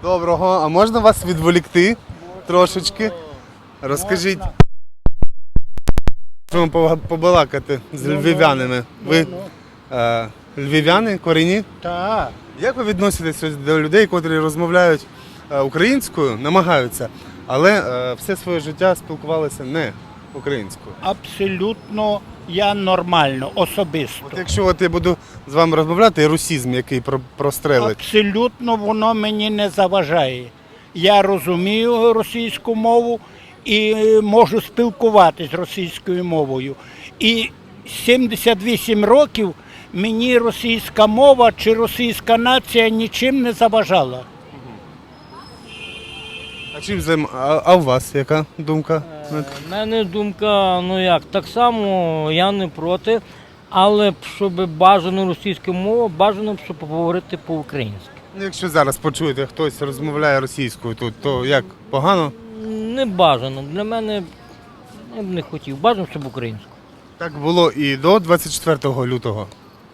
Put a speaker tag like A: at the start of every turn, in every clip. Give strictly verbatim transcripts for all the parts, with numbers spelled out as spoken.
A: Доброго. А можна вас відволікти трошечки? Розкажіть. Можемо побалакати з львів'янами. Ви е, львів'яни, корінні?
B: Так.
A: Як ви відноситесь до людей, котрі розмовляють е, українською, намагаються, але е, все своє життя спілкувалися не українською?
B: Абсолютно я нормально, особисто.
A: От якщо от я буду з вами розмовляти, русізм, який про- прострелить.
B: Абсолютно воно мені не заважає. Я розумію російську мову і можу спілкуватись російською мовою. І сімдесят вісім років мені російська мова чи російська нація нічим не заважала.
A: А чим займ... а, а у вас яка думка?
C: У мене думка, ну як, так само я не проти, але б, щоб бажано російська мова, бажано б, щоб поговорити по-українськи.
A: Ну, якщо зараз почуєте, хтось розмовляє російською тут, то як, погано?
C: Не бажано. Для мене я б не хотів. Бажано, щоб українською.
A: Так було і до двадцять четвертого лютого.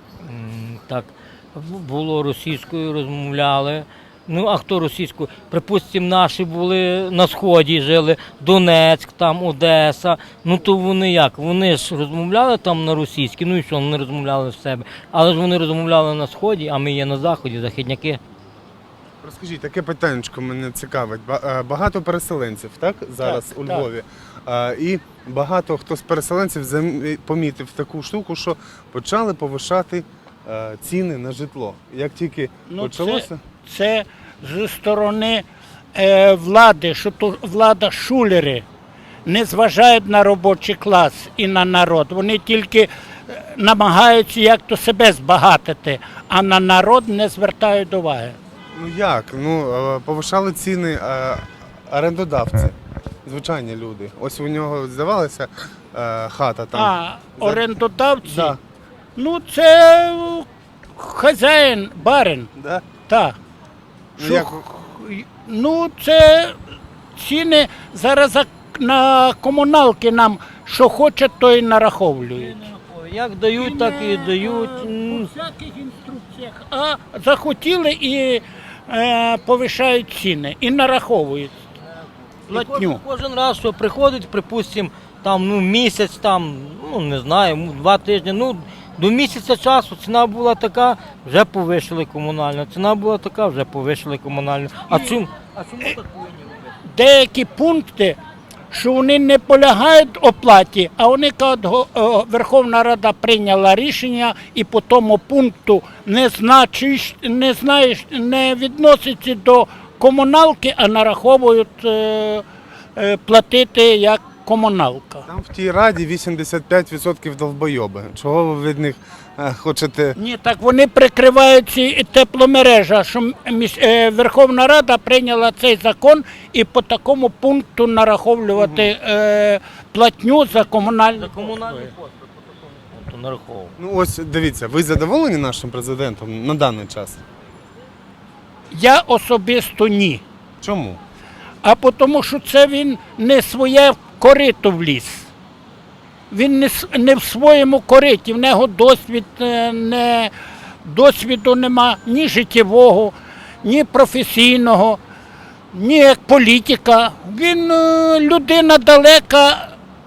C: М, Так, було російською, розмовляли. Ну, а хто російською? Припустимо, наші були на Сході, жили, Донецьк, там, Одеса. Ну, то вони як? Вони ж розмовляли там на російській, ну і що, вони розмовляли в себе. Але ж вони розмовляли на Сході, а ми є на Заході, західняки.
A: Розкажіть, таке питаннячко мене цікавить. Ба- е, Багато переселенців, так, зараз
B: Так,
A: у
B: так.
A: Львові. Е, І багато хто з переселенців зам- помітив таку штуку, що почали повишати е, ціни на житло. Як тільки
B: Ну,
A: почалося,
B: Це зі сторони е, влади, що то влада шулери не зважають на робочий клас і на народ. Вони тільки е, намагаються як то себе збагатити, а на народ не звертають уваги.
A: ну як? Ну, е, повишали ціни е, орендодавці, звичайні люди. Ось у нього здавалася е, хата там.
B: А
A: За-
B: орендодавці,
A: Да.
B: ну це хазяїн, барин.
A: Да?
B: Так.
A: Ну,
B: Що
A: як-
B: х- Ну, це ціни зараз за- на комуналки нам, що хочуть, то і нараховують.
C: Як дають, так і дають.
B: По
C: М,
B: всяких інструкціях. А захотіли і е, повишають ціни, і нараховують
C: І кожен,
B: платню.
C: кожен раз, що приходить, припустимо, там ну місяць, там, ну не знаю, м, два тижні, ну до місяця часу ціна була така, вже повишили комунальну. Ціна була така, вже повишили комунальну. А чому? А чому так повинні робити?
B: Деякі пункти, що вони не полягають оплаті, а вони кажуть, го- о, Верховна Рада прийняла рішення і по тому пункту не значиш, не знаєш, не відноситься до комуналки, а нараховують е, е, платити як комуналка.
A: Там в тій раді вісімдесят п'ять відсотків довбойоби. Чого ви від них е, хочете?
B: Ні, так вони прикривають ці тепломережа, що м- міс- е, Верховна Рада прийняла цей закон і по такому пункту нараховувати е, платню за комунальні
C: За комунальні
B: послуги.
C: послуги по такому пункту нараховував.
A: Ну ось дивіться, ви задоволені нашим президентом на даний час?
B: Я особисто ні.
A: Чому?
B: А по тому, що це він не своє корито вліз. Він не, с- не в своєму кориті, в нього досвід, е, не, досвіду нема ні життєвого, ні професійного, ні як політика. Він е, людина далека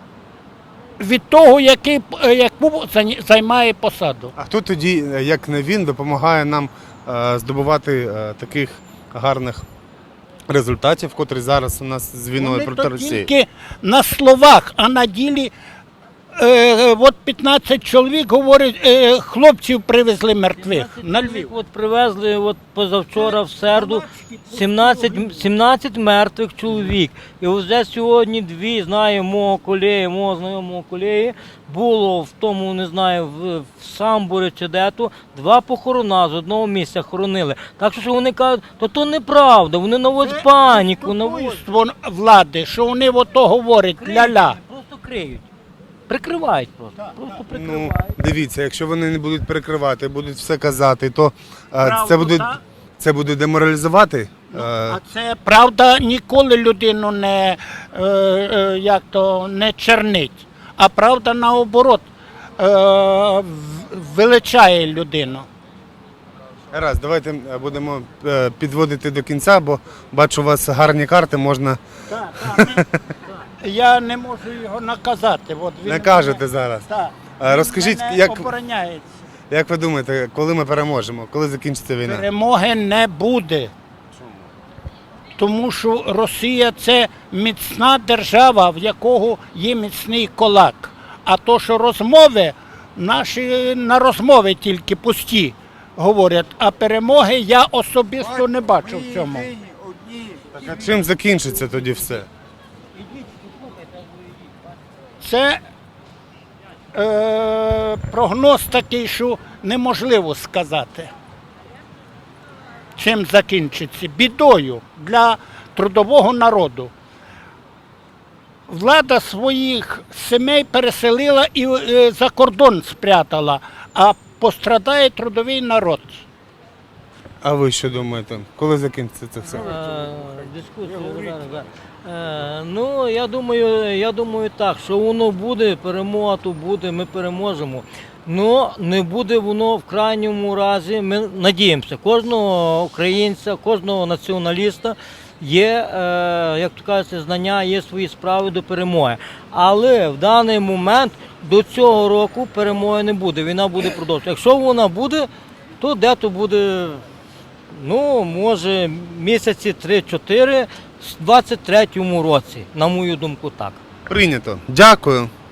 B: від того, який, е, яку зай- займає посаду.
A: А хто тоді, е, як не він, допомагає нам е, здобувати е, таких гарних результатів, котрі зараз у нас з війною
B: Вони
A: проти
B: то
A: Росії?
B: тільки на словах, а на ділі е, от п'ятнадцять чоловік говорять, е, хлопців привезли мертвих на Львів.
C: От привезли от позавчора в середу сімнадцять, сімнадцять мертвих чоловік. І вже сьогодні дві, знаю, мого колеги, мого знайомого колеги, було в тому, не знаю, в, в Самбурі чи де-то, два похорона з одного місця хоронили. Так що вони кажуть, то то неправда, вони наводять паніку, наводять.
B: Чудовиство влади, що вони ото говорять, ля-ля.
C: Просто криють. Прикривають просто. Просто
A: Ну,
C: прикривають.
A: дивіться, якщо вони не будуть перекривати, будуть все казати, то е,
B: Правду,
A: це буде,
B: так?
A: це буде деморалізувати. е,
B: А це правда ніколи людину не, е, е, як то, не чернить, а правда наоборот е, в- величає людину.
A: Раз, давайте е, будемо е, підводити до кінця, бо бачу, у вас гарні карти, можна
B: Так, так, ми- я не можу його наказати. От він
A: не кажете
B: мене-
A: зараз.
B: Так.
A: А
B: Він
A: розкажіть,
B: мене
A: як-
B: обороняється.
A: Як ви думаєте, коли ми переможемо? Коли закінчиться війна?
B: Перемоги не буде. Тому що Росія це міцна держава, в якого є міцний кулак. А то, що розмови, наші на розмови тільки пусті говорять, а перемоги я особисто не бачу в цьому.
A: Так, а чим закінчиться тоді все?
B: Це е, прогноз такий, що неможливо сказати. Чим закінчиться? Бідою для трудового народу. Влада своїх сімей переселила і е, за кордон спрятала, а пострадає трудовий народ.
A: А ви що думаєте? Коли закінчиться це все?
C: Е, Дискусія зараз. да. Е, Ну, я думаю, я думаю так, що воно буде, перемога то буде, ми переможемо. Ну, не буде воно в крайньому разі, ми надіємося, кожного українця, кожного націоналіста є, е, як то кажуть, знання, є свої справи до перемоги. Але в даний момент до цього року перемоги не буде, війна буде продовжуватися. Якщо вона буде, то де-то буде, ну, може, місяці три-чотири в двадцять третьому році, на мою думку, так.
A: Прийнято. Дякую.